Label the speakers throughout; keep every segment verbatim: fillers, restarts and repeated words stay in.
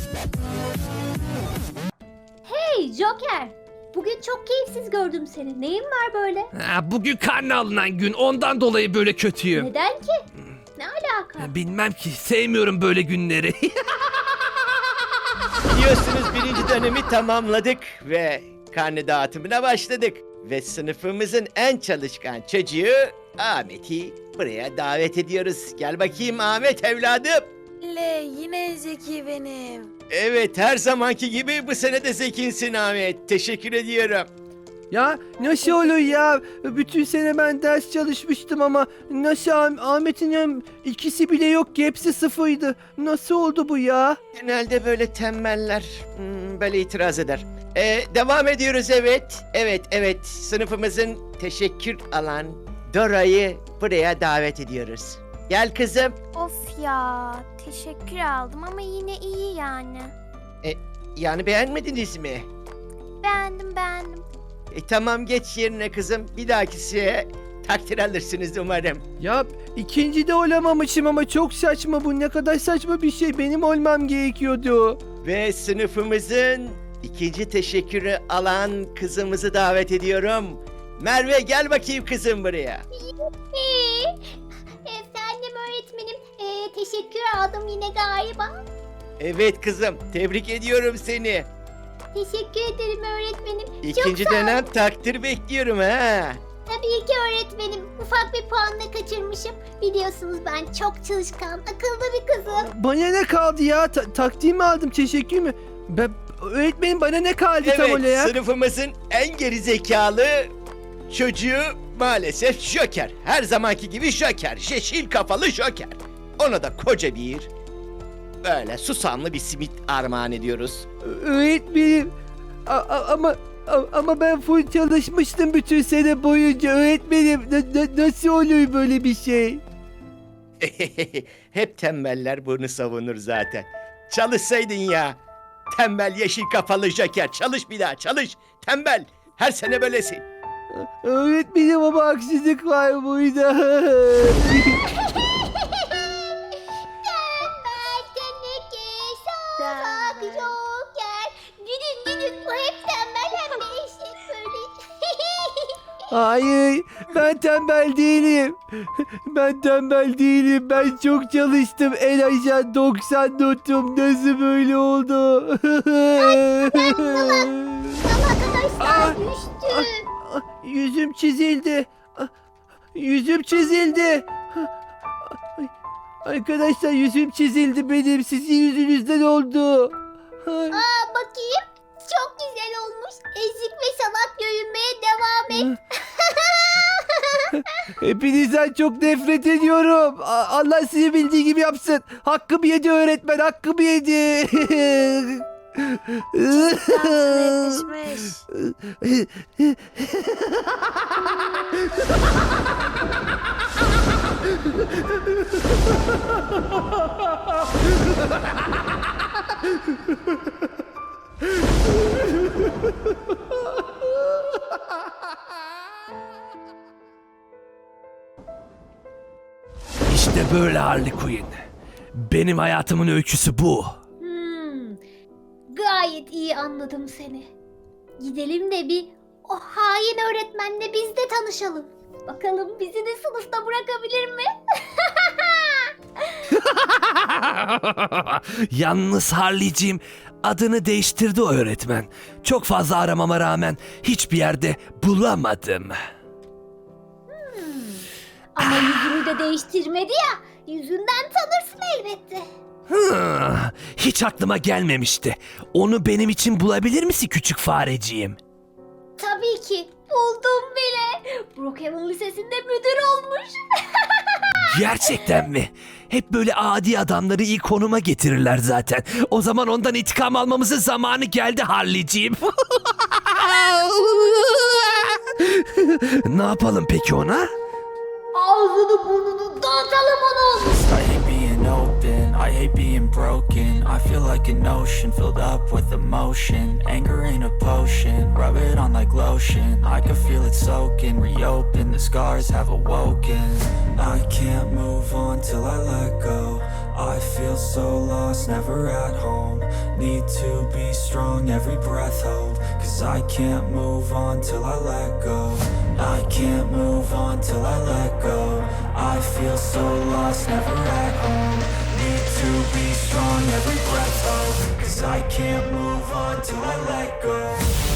Speaker 1: Hey Joker! Bugün çok keyifsiz gördüm seni. Neyin var böyle?
Speaker 2: Ha, bugün karne alınan gün, ondan dolayı böyle kötüyüm.
Speaker 1: Neden ki? Ne alaka?
Speaker 2: Bilmem ki, sevmiyorum böyle günleri.
Speaker 3: Biliyorsunuz birinci dönemi tamamladık ve karne dağıtımına başladık. Ve sınıfımızın en çalışkan çocuğu Ahmet'i buraya davet ediyoruz. Gel bakayım Ahmet evladım.
Speaker 4: Le yine Zeki benim.
Speaker 3: Evet, her zamanki gibi bu sene de zekinsin Ahmet. Teşekkür ediyorum.
Speaker 5: Ya nasıl olur ya? Bütün sene ben ders çalışmıştım ama nasıl Ah- Ahmet'in hem ikisi bile yok ki, hepsi sıfırdı. Nasıl oldu bu ya?
Speaker 3: Genelde böyle tembeller hmm, böyle itiraz eder. Ee, devam ediyoruz evet. Evet evet, sınıfımızın teşekkür alan Dora'yı buraya davet ediyoruz. Gel kızım.
Speaker 4: Of ya teşekkür aldım ama yine iyi yani.
Speaker 3: Yani beğenmediniz mi?
Speaker 4: Beğendim beğendim.
Speaker 3: E, tamam, geç yerine kızım. Bir dahakisiye takdir alırsınız umarım.
Speaker 5: Ya ikinci de olamamışım ama çok saçma bu. Ne kadar saçma bir şey. Benim olmam gerekiyordu.
Speaker 3: Ve sınıfımızın ikinci teşekkürü alan kızımızı davet ediyorum. Merve, gel bakayım kızım buraya.
Speaker 1: Ee, efendim öğretmenim. Ee, teşekkür aldım yine galiba.
Speaker 3: Evet kızım, tebrik ediyorum seni.
Speaker 1: Teşekkür ederim öğretmenim.
Speaker 3: İkinci
Speaker 1: Çok sağ ol.
Speaker 3: dönem takdir bekliyorum ha.
Speaker 1: Tabii ki öğretmenim. Ufak bir puanla kaçırmışım. Biliyorsunuz ben çok çalışkan, akıllı bir kızım.
Speaker 5: Bana ne kaldı ya? Ta- takdir mi aldım? Teşekkür mü? Ben, öğretmenim bana ne kaldı tam
Speaker 3: Evet,
Speaker 5: olarak?
Speaker 3: sınıfımızın en gerizekalı çocuğu maalesef Joker. Her zamanki gibi Joker. Yeşil kafalı Joker. Ona da koca bir böyle susamlı bir simit armağan ediyoruz.
Speaker 5: Öğretmenim. A- a- ama a- ama ben full çalışmıştım bütün sene boyunca öğretmenim. Na- na- nasıl oluyor böyle bir şey?
Speaker 3: Hep tembeller bunu savunur zaten. Çalışsaydın ya. Tembel yeşil kafalı Joker. Çalış bir daha, çalış. Tembel. Her sene böylesin.
Speaker 5: Öğretmenim ama haksızlık var burada.
Speaker 1: Tembel teneke, salak
Speaker 4: Tembel.
Speaker 1: joker. Gülün gülün, bu hep tembel hem de eşek böyle.
Speaker 5: Hayır, ben tembel değilim. Ben tembel değilim. Ben çok çalıştım. En aşağı doksan notum. Nasıl böyle oldu?
Speaker 1: Arkadaşlar
Speaker 5: Ah,
Speaker 1: düştü.
Speaker 5: Ah, Yüzüm çizildi. Ah, Yüzüm çizildi. Ay, Arkadaşlar yüzüm çizildi benim. Sizin yüzünüzden oldu. Ay.
Speaker 1: Aa bakayım. Çok güzel olmuş. Ezik ve salak görünmeye devam et.
Speaker 5: Hepinizden çok nefret ediyorum. A- Allah sizi bildiği gibi yapsın. Hakkımı yedi öğretmen, hakkımı yedi.
Speaker 4: Dansına yetişmiş.
Speaker 2: İşte böyle Harley Quinn. Benim hayatımın öyküsü bu.
Speaker 1: Hmm, gayet iyi anladım seni. Gidelim de bir o hain öğretmenle biz de tanışalım. Bakalım bizi de sınıfta bırakabilir mi?
Speaker 2: Yalnız Harley'ciğim, adını değiştirdi o öğretmen. Çok fazla aramama rağmen hiçbir yerde bulamadım.
Speaker 1: Ama yüzünü de değiştirmedi ya. Yüzünden tanırsın elbette.
Speaker 2: Hı, hiç aklıma gelmemişti. Onu benim için bulabilir misin küçük fareciğim?
Speaker 1: Tabii ki. Buldum bile. Brookhaven Lisesi'nde müdür olmuş.
Speaker 2: Gerçekten mi? Hep böyle adi adamları iyi konuma getirirler zaten. O zaman ondan intikam almamızın zamanı geldi Harley'ciğim. Ne yapalım peki ona?
Speaker 1: Ağzını burnunu dağıtalım onu.
Speaker 6: I hate being open, I hate being broken. I feel like an ocean filled up with emotion. Anger ain't a potion, rub it on like lotion. I can feel it soaking, reopen, the scars have awoken. I can't move on till I let go. I feel so lost, never at home. Need to be strong, every breath hold. Cause I can't move on till I let go. I can't move on till I let go. I feel so lost, never at home. Need to be strong, every breath hold. Cause I can't move on till I let go.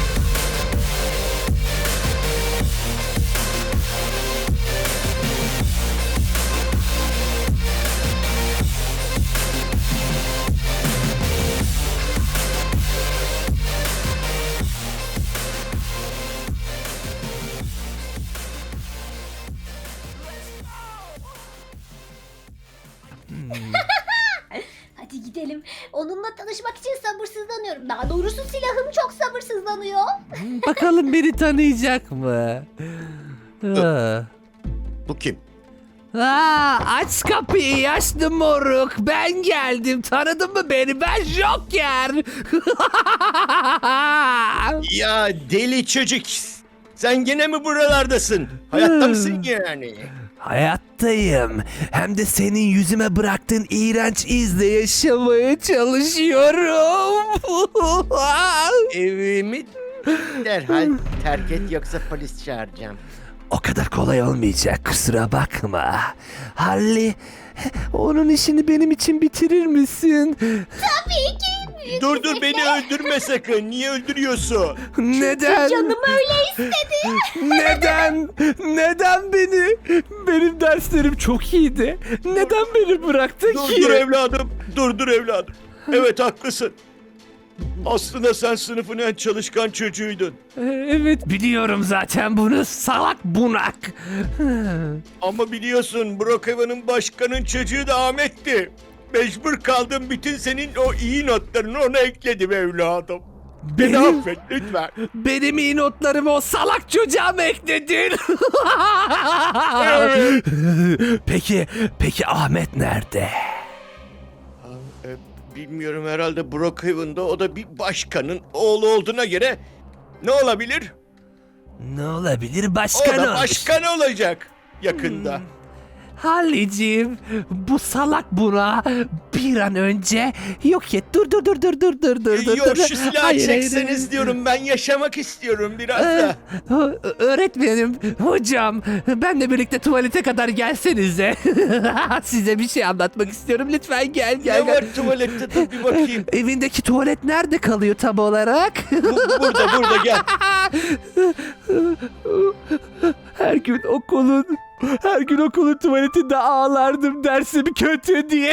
Speaker 1: Hadi gidelim. Onunla tanışmak için sabırsızlanıyorum. Daha doğrusu silahım çok sabırsızlanıyor.
Speaker 2: Bakalım beni tanıyacak mı? Aa.
Speaker 3: Bu kim?
Speaker 2: Aa, aç kapıyı yaşlı moruk. Ben geldim. Tanıdın mı beni? Ben Joker.
Speaker 3: Ya deli çocuk. Sen gene mi buralardasın? Hayatta mısın yani?
Speaker 2: Hayattayım. Hem de senin yüzüme bıraktığın iğrenç izle yaşamaya çalışıyorum.
Speaker 3: Evimi derhal terk et yoksa polis çağıracağım.
Speaker 2: O kadar kolay olmayacak, kusura bakma. Halli, onun işini benim için bitirir misin?
Speaker 1: Tabii ki.
Speaker 3: Dur dur beni öldürme sakın. Niye öldürüyorsun?
Speaker 2: Neden?
Speaker 1: Canım öyle istedi.
Speaker 2: Neden? Neden beni? Benim derslerim çok iyiydi. Neden beni bıraktın
Speaker 3: Dur
Speaker 2: ki?
Speaker 3: dur evladım. Dur dur evladım. Evet haklısın. Aslında sen sınıfın en çalışkan çocuğuydun.
Speaker 2: Ee, Evet biliyorum zaten bunu, salak bunak.
Speaker 3: Ama biliyorsun Brookhaven'ın başkanın çocuğu da Ahmet'ti. Mecbur kaldım, bütün senin o iyi notlarını ona ekledim evladım. Beni
Speaker 2: Benim-
Speaker 3: affet lütfen.
Speaker 2: Benim iyi notlarımı o salak çocuğa mı ekledin?
Speaker 3: Evet.
Speaker 2: Peki, peki Ahmet nerede?
Speaker 3: E, bilmiyorum, herhalde Brookhaven'da, o da bir başkanın oğlu olduğuna göre ne olabilir?
Speaker 2: Ne olabilir
Speaker 3: O
Speaker 2: başkan
Speaker 3: da
Speaker 2: olmuş.
Speaker 3: başkan olacak yakında.
Speaker 2: Hallicim, bu salak buna bir an önce yok et. Dur dur dur dur dur dur dur.
Speaker 3: E,
Speaker 2: dur,
Speaker 3: Yok,
Speaker 2: dur.
Speaker 3: şu silahı
Speaker 2: Hayır, hayır,
Speaker 3: çekseniz
Speaker 2: hayır.
Speaker 3: diyorum, ben yaşamak istiyorum biraz
Speaker 2: Ee,
Speaker 3: da.
Speaker 2: ö- öğretmenim, hocam, benle birlikte tuvalete kadar gelsenize. Size bir şey anlatmak istiyorum. Lütfen gel gel.
Speaker 3: Ne
Speaker 2: gel.
Speaker 3: var tuvalette, dur bir bakayım.
Speaker 2: Evindeki tuvalet nerede kalıyor tam olarak?
Speaker 3: Bu- burada burada gel.
Speaker 2: Her gün okulun her gün okulun tuvaletinde ağlardım dersim kötü diye.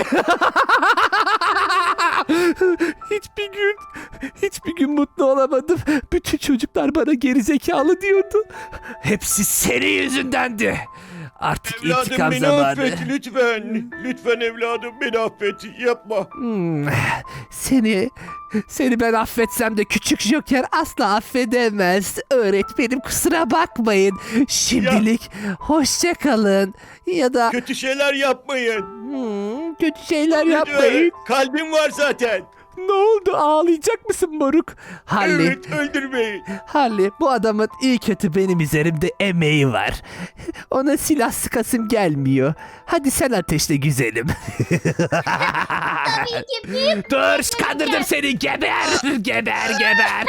Speaker 2: Hiçbir gün hiçbir gün mutlu olamadım. Bütün çocuklar bana gerizekalı diyordu. Hepsi senin yüzündendi. Artık
Speaker 3: Evladım
Speaker 2: intikam
Speaker 3: beni
Speaker 2: zamanı.
Speaker 3: affet lütfen. Lütfen evladım beni affet. Yapma.
Speaker 2: Hmm, Seni seni ben affetsem de küçük Joker asla affedemez. Öğretmenim kusura bakmayın. Şimdilik hoşça kalın. Ya da
Speaker 3: Kötü şeyler yapmayın.
Speaker 2: hmm, kötü şeyler
Speaker 3: Lütfen.
Speaker 2: yapmayın.
Speaker 3: Kalbim var zaten.
Speaker 2: Ne oldu? Ağlayacak mısın moruk? Halli,
Speaker 3: Evet, öldürmeyin.
Speaker 2: Halli, bu adamın iyi kötü benim üzerimde emeği var. Ona silah sıkasım gelmiyor. Hadi sen ateşle güzelim.
Speaker 1: Tabii ki büyük.
Speaker 2: Dur, kandırdım seni. Geber, geber, geber.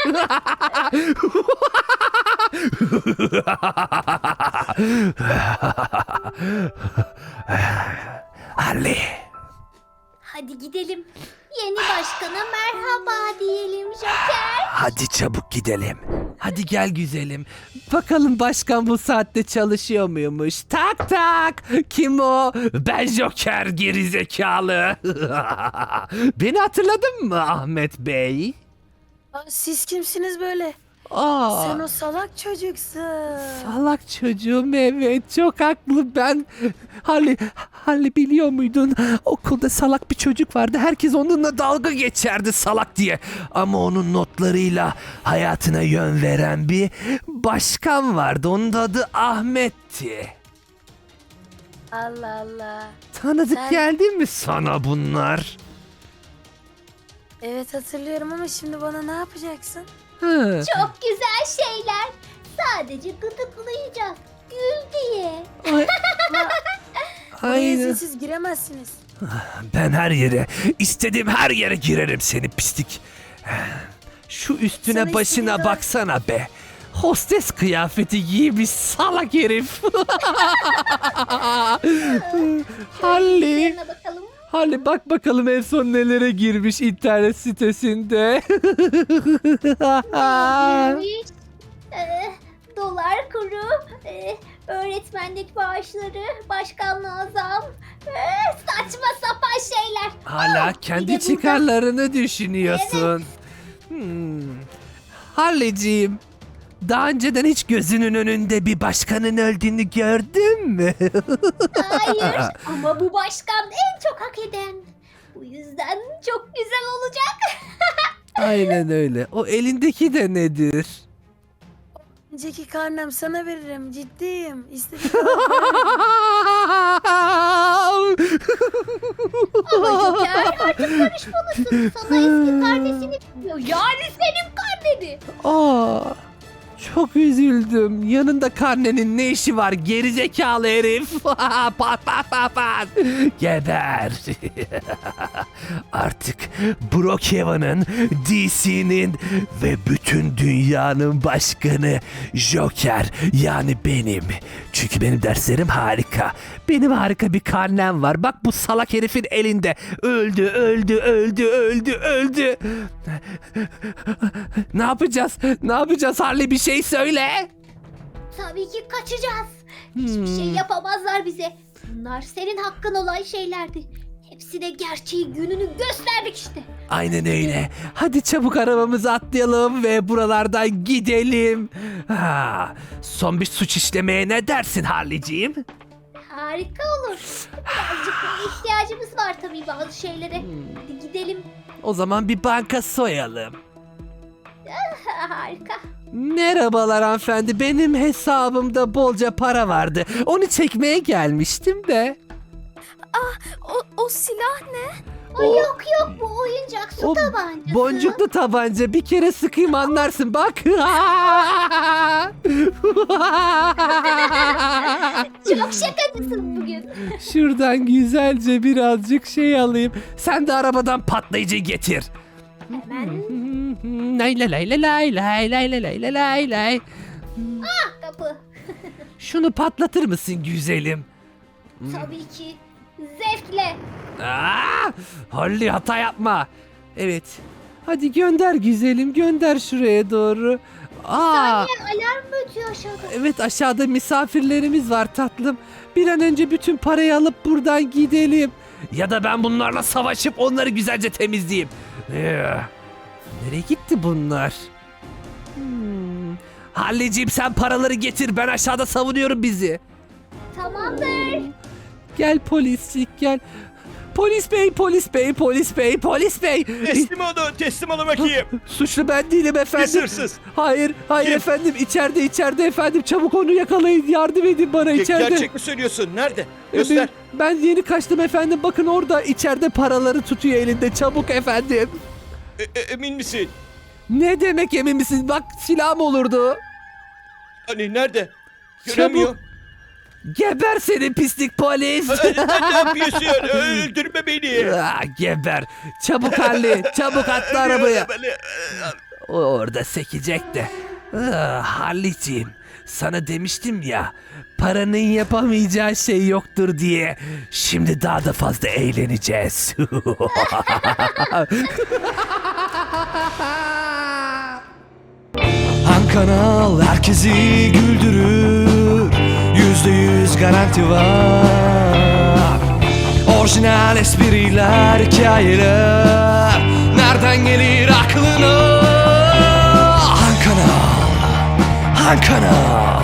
Speaker 2: Ali,
Speaker 1: Hadi gidelim. Yeni başkana merhaba diyelim Joker.
Speaker 2: hadi çabuk gidelim. Hadi gel güzelim. Bakalım başkan bu saatte çalışıyor muymuş? Tak tak. Kim o? Ben Joker gerizekalı. Beni hatırladın mı Ahmet Bey?
Speaker 4: Aa, siz kimsiniz böyle?
Speaker 2: Aa.
Speaker 4: Sen o salak çocuksun.
Speaker 2: Salak çocuğum, evet, çok haklı. Ben Halli, Halli biliyor muydun? Okulda salak bir çocuk vardı. Herkes onunla dalga geçerdi salak diye. Ama onun notlarıyla hayatına yön veren bir başkan vardı. Onun da adı Ahmet'ti.
Speaker 4: Allah Allah.
Speaker 2: Tanıdık
Speaker 4: Sen-
Speaker 2: geldi mi sana bunlar?
Speaker 4: Evet hatırlıyorum ama şimdi bana ne yapacaksın?
Speaker 2: Hı.
Speaker 1: Çok güzel şeyler. Sadece gıdıklayacağız. Gül diye.
Speaker 2: Ay,
Speaker 4: Oraya
Speaker 2: Aynen.
Speaker 4: izinsiz giremezsiniz.
Speaker 2: Ben her yere, istediğim her yere girerim seni pislik. Şu üstüne
Speaker 4: Sana
Speaker 2: başına
Speaker 4: istediğin-
Speaker 2: baksana be. Hostes kıyafeti giymiş salak herif. Halli.
Speaker 1: Yerine bakalım.
Speaker 2: Halli bak bakalım en son nelere girmiş internet sitesinde.
Speaker 1: Girmiş. Ee, dolar kuru, ee, öğretmenlik maaşları, başkanlığa zam, ee, saçma sapan şeyler.
Speaker 2: Hala
Speaker 1: Oh,
Speaker 2: kendi
Speaker 1: bir de burada-
Speaker 2: çıkarlarını düşünüyorsun. Hmm. Halliciğim, daha önceden hiç gözünün önünde bir başkanın öldüğünü gördün mü?
Speaker 1: Hayır ama bu başkan en çok hak eden. Bu yüzden çok güzel olacak.
Speaker 2: Aynen öyle. O elindeki de nedir?
Speaker 4: Önceki karnem sana veririm. Ciddiyim. İstediğin
Speaker 1: Ama Joker artık karışmalısın. Sana eski kardeşini veriyor. Yani senin karneni.
Speaker 2: Aa, çok üzüldüm. Yanında karnenin ne işi var gerizekalı herif? pat pat pat pat. Geber. Artık Brookhaven'ın, D C'nin ve bütün dünyanın başkanı Joker, yani benim. Çünkü benim derslerim harika. Benim harika bir karnem var. Bak bu salak herifin elinde. Öldü, öldü, öldü, öldü, öldü. Ne yapacağız? Ne yapacağız Harley, bir şey söyle.
Speaker 1: Tabii ki kaçacağız. Hiçbir şey
Speaker 2: Hmm.
Speaker 1: yapamazlar bize. Bunlar senin hakkın olan şeylerdi. Hepsine gerçeği gününü gösterdik işte.
Speaker 2: Aynen öyle. Hadi çabuk arabamıza atlayalım ve buralardan gidelim. Ha, son bir suç işlemeye ne dersin Harley'ciğim?
Speaker 1: Harika olur. Birazcık ihtiyacımız var tabii bazı şeylere. Hadi gidelim.
Speaker 2: O zaman bir banka soyalım.
Speaker 1: Harika.
Speaker 2: Merhabalar hanımefendi. Benim hesabımda bolca para vardı. Onu çekmeye gelmiştim de.
Speaker 4: O, o silah ne?
Speaker 1: Ay
Speaker 2: O-
Speaker 1: yok yok bu oyuncak su
Speaker 2: o
Speaker 1: tabancası.
Speaker 2: Boncuklu tabanca, bir kere sıkayım anlarsın bak.
Speaker 1: Çok şakacısın bugün.
Speaker 2: Şuradan güzelce birazcık şey alayım. Sen de arabadan patlayıcı getir.
Speaker 1: Hemen
Speaker 2: Lay lay lay lay lay lay lay lay lay lay lay.
Speaker 1: kapı.
Speaker 2: Şunu patlatır mısın güzelim?
Speaker 1: Tabii ki. Zevkle.
Speaker 2: Aa, Holly hata yapma. Evet. Hadi gönder güzelim, gönder şuraya doğru. Aa,
Speaker 1: Alarm mı ötüyor aşağıda?
Speaker 2: evet aşağıda misafirlerimiz var tatlım. Bir an önce bütün parayı alıp buradan gidelim. Ya da ben bunlarla savaşıp onları güzelce temizleyeyim. Ee, nereye gitti bunlar? Hmm. Halliciğim sen paraları getir, ben aşağıda savunuyorum bizi.
Speaker 1: Tamamdır.
Speaker 2: Gel poliscik gel. Polis bey, polis bey, polis bey, polis bey.
Speaker 3: Teslim olun, teslim olun bakayım.
Speaker 2: Suçlu ben değilim efendim.
Speaker 3: Pis hırsız.
Speaker 2: Hayır, hayır
Speaker 3: Kim?
Speaker 2: efendim. İçeride, içeride efendim. Çabuk onu yakalayın. Yardım edin bana
Speaker 3: Ge-
Speaker 2: içeride.
Speaker 3: Gerçek mi söylüyorsun? Nerede?
Speaker 2: E,
Speaker 3: Göster.
Speaker 2: Ben, ben yeni kaçtım efendim. Bakın orada içeride paraları tutuyor elinde. Çabuk efendim.
Speaker 3: E- e- emin misin?
Speaker 2: Ne demek emin misin? Bak silahım olurdu.
Speaker 3: Hani nerede? Göremiyorum.
Speaker 2: Geber seni pislik polis.
Speaker 3: Aa, Sen ne yapıyorsun? Öldürme beni.
Speaker 2: Ah, geber. Çabuk Halli. Çabuk atla arabaya.
Speaker 3: Beni-
Speaker 2: O orada sekecek de. Ah, Halliciğim, sana demiştim ya, paranın yapamayacağı şey yoktur diye. Şimdi daha da fazla eğleneceğiz. Han Kanal herkesi güldürür. Yüzde yüz garanti var. Orijinal espriler, hikayeler, nereden gelir aklına? Han Kanal, Han Kanal.